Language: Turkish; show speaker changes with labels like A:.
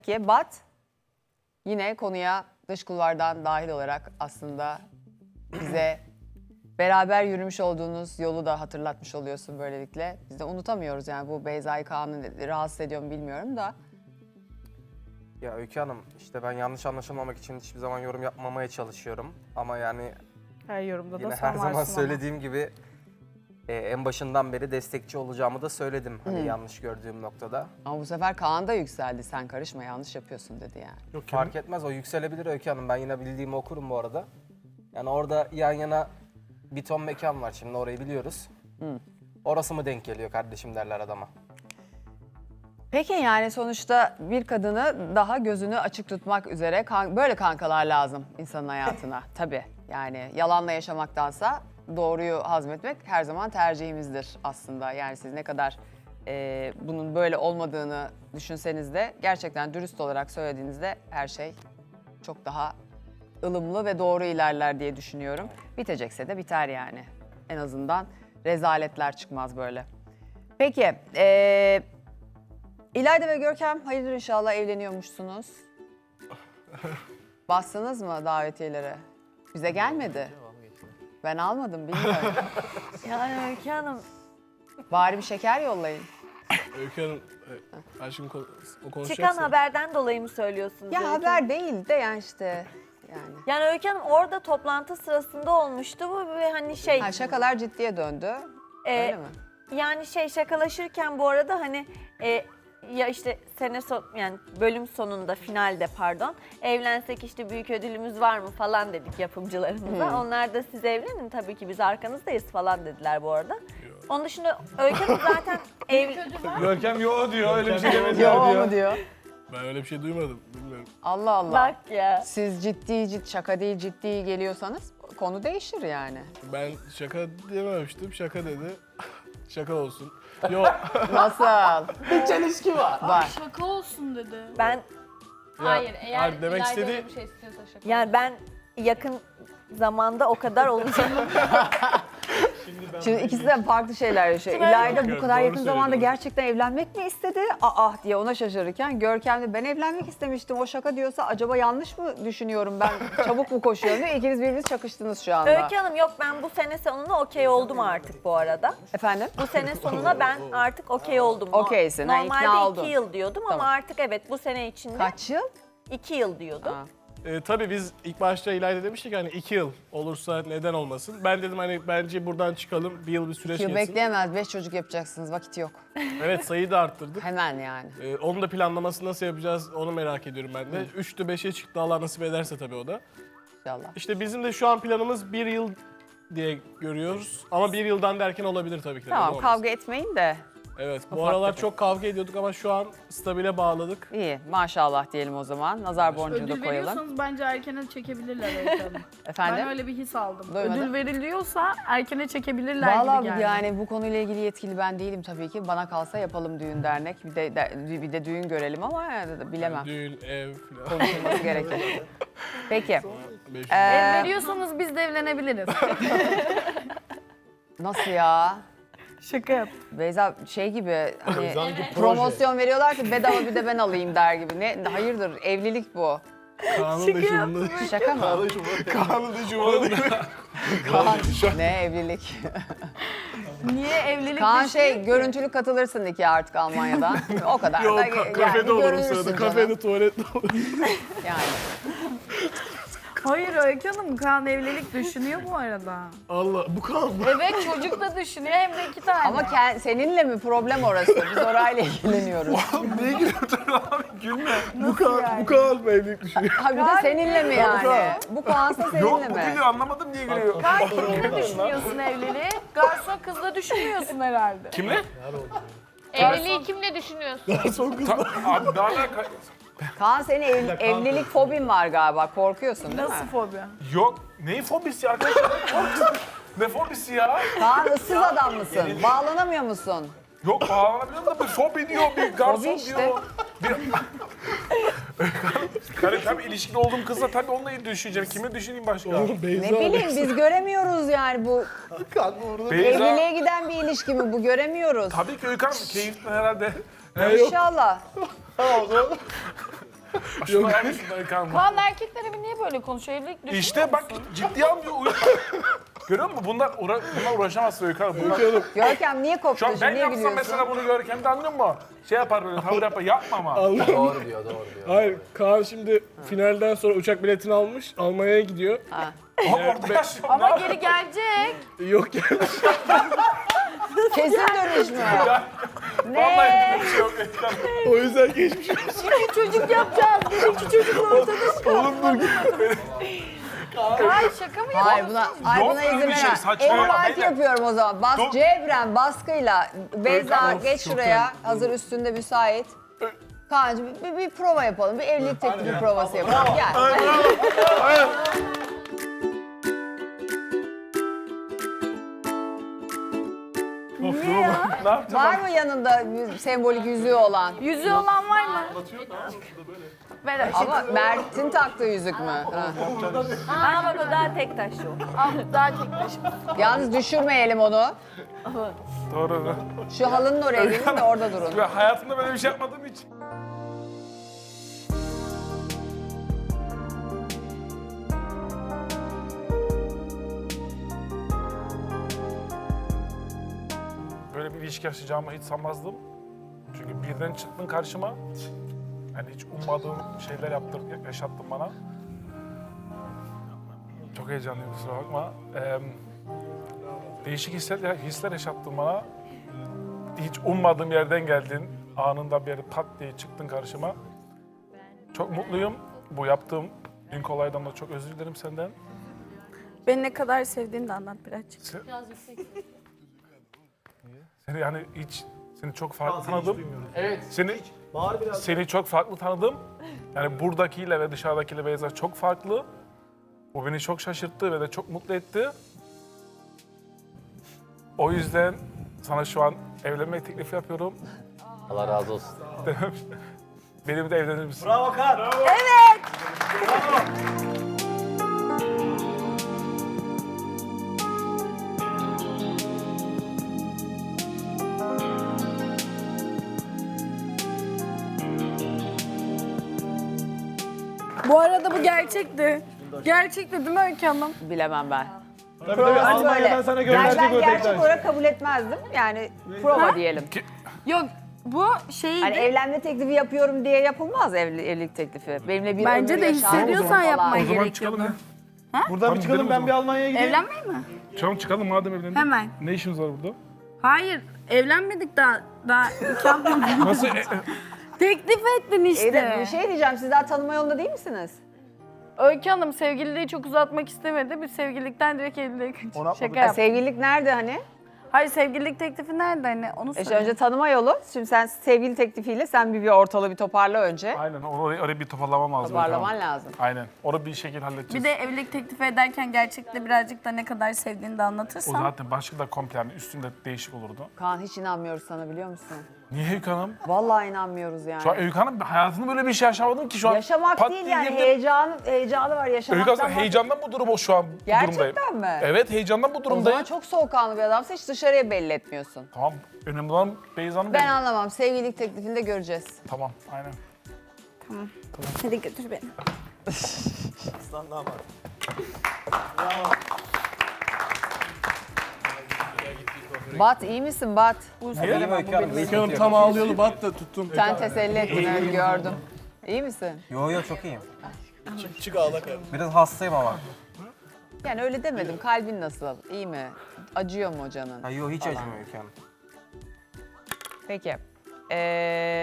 A: Ki Bat yine konuya dış kulvardan dahil olarak aslında bize beraber yürümüş olduğunuz yolu da hatırlatmış oluyorsun böylelikle. Biz de unutamıyoruz yani bu Beyza'yı Kaan'ı rahatsız ediyor mu bilmiyorum da.
B: Ya Öykü Hanım, işte ben yanlış anlaşılmamak için hiçbir zaman yorum yapmamaya çalışıyorum. Ama yani
C: Her yorumda da
B: yine
C: sen
B: her zaman
C: varsın
B: söylediğim gibi en başından beri destekçi olacağımı da söyledim. Hani yanlış gördüğüm noktada.
A: Ama bu sefer Kaan da yükseldi. Sen karışma yanlış yapıyorsun dedi yani.
D: Yok,
B: Fark etmez, o yükselebilir Öykü Hanım. Ben yine bildiğimi okurum bu arada. Yani orada yan yana bir ton mekan var, şimdi orayı biliyoruz. Orası mı denk geliyor kardeşim derler adama.
A: Peki yani sonuçta bir kadını daha gözünü açık tutmak üzere böyle kankalar lazım insanın hayatına. Tabii yani yalanla yaşamaktansa doğruyu hazmetmek her zaman tercihimizdir aslında. Yani siz ne kadar bunun böyle olmadığını düşünseniz de gerçekten dürüst olarak söylediğinizde her şey çok daha ılımlı ve doğru ilerler diye düşünüyorum. Bitecekse de biter yani. En azından rezaletler çıkmaz böyle. Peki, İlayda ve Görkem hayırdır inşallah evleniyormuşsunuz. Bastınız mı davetiyelere? Bize gelmedi. Ben almadım bilmiyorum.
C: Yani Öykü Hanım,
A: Bari bir şeker yollayın.
D: Öykü Hanım, aşkım o konuşacaksa.
C: çıkan haberden dolayı mı söylüyorsunuz?
A: Ya
C: Öykü
A: haber
C: Hanım?
A: değil de yani işte yani.
C: Yani Öykü Hanım orada toplantı sırasında olmuştu bu ve hani şey...
A: Ha, şakalar ciddiye döndü. Öyle mi?
C: Yani şey şakalaşırken bu arada hani ya işte yani bölüm sonunda finalde pardon evlensek işte büyük ödülümüz var mı falan dedik yapımcılarımıza. Onlar da siz evlenin tabii ki biz arkanızdayız falan dediler bu arada. Onun dışında Öykü Hanım zaten
D: Görkem yo diyor, öyle bir şey demedi
A: Yo
D: diyor.
A: mu diyor?
D: Ben öyle bir şey duymadım, bilmiyorum.
A: Allah Allah.
C: bak ya.
A: Siz ciddi şaka değil ciddi geliyorsanız konu değişir yani.
D: Ben şaka dememiştim, şaka dedi. Şaka olsun. Yo,
A: Nasıl?
D: çelişki var.
A: Var.
E: Şaka olsun dedi.
C: Ben
E: Hayır, eğer
D: hayır, demek
E: İlayda
D: istediği-
E: öyle bir şey istiyorsa şaka.
C: yani ben yakın zamanda o kadar olacağım.
A: Şimdi ikisi de farklı şeyler yaşıyor.
C: Şimdi
A: İlayda bu
D: Doğru
A: kadar yakın
D: söylüyor,
A: zamanda
D: doğru.
A: gerçekten evlenmek mi istedi? Aa diye ona şaşırırken Görkem de ben evlenmek istemiştim. O şaka diyorsa acaba yanlış mı düşünüyorum ben? Çabuk mu koşuyorum diye ikiniz birbiriniz çakıştınız şu anda.
C: Öykü Hanım yok ben bu sene sonuna okey oldum artık bu arada.
A: Efendim?
C: Bu sene sonuna ben artık okey oldum.
A: Okeysin, ha, ikna
C: Normalde
A: oldun.
C: 2 yıl diyordum
A: Tamam.
C: ama artık evet bu sene içinde
A: Kaç yıl?
C: 2 yıl diyordum.
A: Ha.
D: Tabii biz ilk başta İlayda demiştik hani 2 yıl olursa neden olmasın. Ben dedim hani bence buradan çıkalım, bir yıl bir süreç
A: Yıl
D: geçsin.
A: bekleyemez. 5 çocuk yapacaksınız. Vakit yok.
D: Evet, sayıyı da arttırdık.
A: Hemen yani.
D: Onun da planlamasını nasıl yapacağız onu merak ediyorum ben de. 3'tü 5'e çıktı, Allah nasip ederse tabii o da.
A: İnşallah.
D: İşte bizim de şu an planımız 1 yıl diye görüyoruz. Ama 1 yıldan derken olabilir tabii ki de.
A: Tamam
D: neden olmasın?
A: kavga etmeyin de.
D: Evet, bu
A: Ufak
D: aralar
A: tefek.
D: çok kavga ediyorduk ama şu an stabile bağladık.
A: İyi maşallah diyelim o zaman. Nazar boncuğu da
E: Ödül
A: koyalım.
E: veriyorsanız bence erkene çekebilirler Öykü Hanım.
A: Efendim?
E: Ben öyle bir his aldım.
A: Duymadım.
E: Ödül veriliyorsa erkene çekebilirler gibi
A: Valla
E: geldi.
A: yani bu konuyla ilgili yetkili ben değilim tabii ki. Bana kalsa yapalım düğün dernek. Bir de düğün görelim ama bilemem.
D: Düğün, ev falan.
A: Konuşulması gerekir. Peki.
D: 500.
E: Veriyorsanız biz de evlenebiliriz.
A: Nasıl ya?
C: Şaka yap.
A: Beyza şey gibi hani
D: Sanki proje.
A: promosyon veriyorlar ki bedava bir de ben alayım der gibi. Ne hayırdır evlilik bu.
D: Kaan'ın da şumunda.
A: Şaka mı?
D: Kaan'ın da şumunda değil mi?
A: Kaan, ne evlilik?
C: Niye evlilik
A: Kaan
C: düşünüyor
A: şey
C: ki?
A: görüntülü katılırsın iki artık Almanya'dan. O kadar
D: Yok,
A: da yani
D: kafede olurum
A: görünürsün
D: sırada.
A: canım.
D: Kafede, tuvalette olurum.
A: Yani.
E: Hayır Öykü Hanım, Kaan evlilik düşünüyor bu arada.
D: Allah, bu Kaan mı?
E: Evet çocuk da düşünüyor hem de 2 tane.
A: Ama seninle mi problem orası? Biz orayla ilgileniyoruz.
D: Neye gülüyorsun abi? Gülme. Bu Kaan mı evlilik düşünüyor?
A: Ha bir de seninle mi yani? Bu Kaan'sa seninle
B: Yok, bu
A: mi?
B: gülüyor, anlamadım niye gülüyor.
E: Kaan kimle düşünüyorsun evliliği? Garson kızla düşünmüyorsun herhalde.
D: Kimle?
F: Evliliği kimle düşünüyorsun?
D: Son kız.
B: Abi daha ne?
A: Kaan senin evlilik fobin var galiba. Korkuyorsun değil
E: Nasıl
A: mi?
E: fobi?
B: Yok, neyin fobisi arkadaşlar? Ne fobisi ya?
A: Kaan ıssız adam mısın? Bağlanamıyor musun?
B: Yok, bağlanabiliyorum da bir fobi diyor, bir garson
A: Fobi işte.
B: diyor. Yani tabii ilişkili olduğum kızla tabii onunla düşüneceğim. Kime düşüneyim başka?
A: Ne bileyim biz göremiyoruz yani bu
B: Beyza,
A: evliliğe giden bir ilişki mi bu göremiyoruz.
B: tabii ki Öykü Hanım keyifli herhalde.
A: İnşallah.
G: Şunu almışsın Öykü Hanım.
E: Kaan erkekler evi niye böyle konuşuyor? Evlilik düşünüyor
G: İşte bak
E: musun?
G: ciddiye almıyor. Görüyor musun? Bunlar uğraşamazsın Öykü Hanım. Bunlar...
A: Görkem niye
G: Şu
A: koptu?
G: an ben
A: Niye
G: yapsam
A: gülüyorsun?
G: mesela bunu Görkem'de anlıyor musun? Şey yapar böyle tavır yapar. Yapma ama.
B: Doğru diyor.
D: Hayır, Kaan şimdi finalden sonra uçak biletini almış, Almanya'ya gidiyor.
G: Orada yaşıyor.
E: Ama geri gelecek.
D: Yok yani.
A: Kesin dönüş mü?
G: Vallahi bir şey yok Öykü Hanım.
D: O yüzden geçmiş olsun.
E: Çocuk yapacağız. Benimki çocukla ortada çıkar. Ay şaka mı
A: Hayır
E: yapıyorsun?
A: buna
G: öyle
A: izin
G: bir şey,
A: veremem.
G: saçmalama,
A: Emrivaki
G: beyler.
A: yapıyorum o zaman. Bas
G: Dur.
A: Cevren baskıyla. Beyza
G: Öykü,
A: geç şuraya. Hazır üstünde müsait. Kaan'cığım bir prova yapalım. Bir evlilik teklifi provası yapalım. Gel.
G: Ne yapacağım?
A: Var mı yanında sembolik yüzüğü olan?
E: Yüzüğü olan var mı? Ver aşkım.
A: Ama Mert'in taktığı yüzük mü? Ha.
C: Aa bak o daha tek taşlı o.
E: Al daha tek başıma.
A: Yalnız düşürmeyelim onu.
G: Doğru.
A: Şu halının oraya gelin de orada durun.
G: Ben hayatımda böyle bir şey yapmadığım için. Böyle bir ilişki yaşayacağımı hiç sanmazdım. Çünkü birden çıktın karşıma. Yani hiç ummadığım şeyler yaşattın bana. Çok heyecanlıyım, kusura bakma. Değişik hisler yaşattın bana. Hiç ummadığım yerden geldin. Anında bir yere pat diye çıktın karşıma. Çok mutluyum. Bu yaptığım ilk olaydan da çok özür dilerim senden.
E: Beni ne kadar sevdiğini de anlat birazcık.
G: Seni yani seni çok farklı tanıdım. Evet. Seni çok farklı tanıdım. Yani buradakiyle ve dışarıdakiyle Beyza çok farklı. Bu beni çok şaşırttı ve de çok mutlu etti. O yüzden sana şu an evlenme teklifi yapıyorum.
B: Allah razı olsun.
G: Benimle de evlenir misin?
H: Bravo Kaan.
E: Bu arada bu gerçekti. Gerçekti değil mi Öykü Hanım?
A: Bilemem ben.
H: Tabii Almanya'dan sana
A: Yani
H: gönderdik
A: ben
H: o
A: gerçek
H: tekrar.
A: olarak kabul etmezdim. Yani prova diyelim.
E: Yok bu şeydi.
A: Hani evlenme teklifi yapıyorum diye yapılmaz evlilik teklifi. Benimle bir
E: Bence
A: ömür
E: de
A: yaşar
E: hissediyorsan
A: falan.
E: yapmayı
G: O zaman
E: gerekiyordu.
G: çıkalım ya.
H: Buradan bir çıkalım
G: gidelim o
H: ben bir Almanya'ya gideyim.
E: Evlenmeyi mi?
G: Tamam çıkalım madem evlendik.
E: Hemen.
G: Ne işimiz var burada?
E: Hayır, evlenmedik daha nikah yapmadık.
G: Nasıl?
E: Teklif ettin
A: Bir
E: işte.
A: şey diyeceğim, siz daha tanıma yolunda değil misiniz?
E: Öykü Hanım sevgililiği çok uzatmak istemedi. Biz sevgililikten direkt evliliğe şaka yaptık.
A: Sevgililik nerede hani?
E: Hayır sevgililik teklifi nerede hani onu
A: İşte
E: söyle.
A: önce tanıma yolu. Şimdi sen sevgili teklifiyle sen bir ortalığı bir toparla önce.
G: Aynen orayı bir toparlamam lazım.
A: Toparlaman lazım.
G: Aynen. Onu bir şekilde halledeceğiz.
E: Bir de evlilik teklifi ederken gerçekte birazcık da ne kadar sevdiğini de
G: O
E: anlatırsan.
G: zaten başlık da komple yani üstünde değişik olurdu.
A: Kaan hiç inanmıyoruz sana biliyor musun?
G: Niye Öykü Hanım?
A: Vallahi inanmıyoruz yani.
G: Şu an Öykü Hanım hayatımda böyle bir şey yaşamadım ki şu an.
A: Yaşamak
G: pat
A: değil
G: diye
A: yani
G: girdim.
A: heyecanı var
G: Öykü
A: yaşamaktan.
G: Hanım heyecandan bu durum şu an bu
A: Gerçekten
G: durumdayım.
A: mi?
G: Evet heyecandan bu
A: O
G: durumdayım.
A: zaman çok soğukkanlı bir adamsın, hiç dışarıya belli etmiyorsun.
G: Tamam önemli olan Beyza'nın
A: Ben anlamam, sevgililik teklifinde göreceğiz.
G: Tamam aynen.
E: Hadi götür beni.
A: Bat iyi misin Bat?
B: Benim Öykü Hanım.
D: Öykü Hanım tam ağlıyordu, bat da tuttum.
A: Sen teselli ettin, öyle gördüm. İyi misin?
B: Yo çok iyiyim.
D: Çık ağla kardeşim.
B: Biraz hastayım ama.
A: Yani öyle demedim, kalbin nasıl? İyi mi? Acıyor mu canın?
B: Ha, yo hiç acımıyor Öykü Hanım.
A: Peki.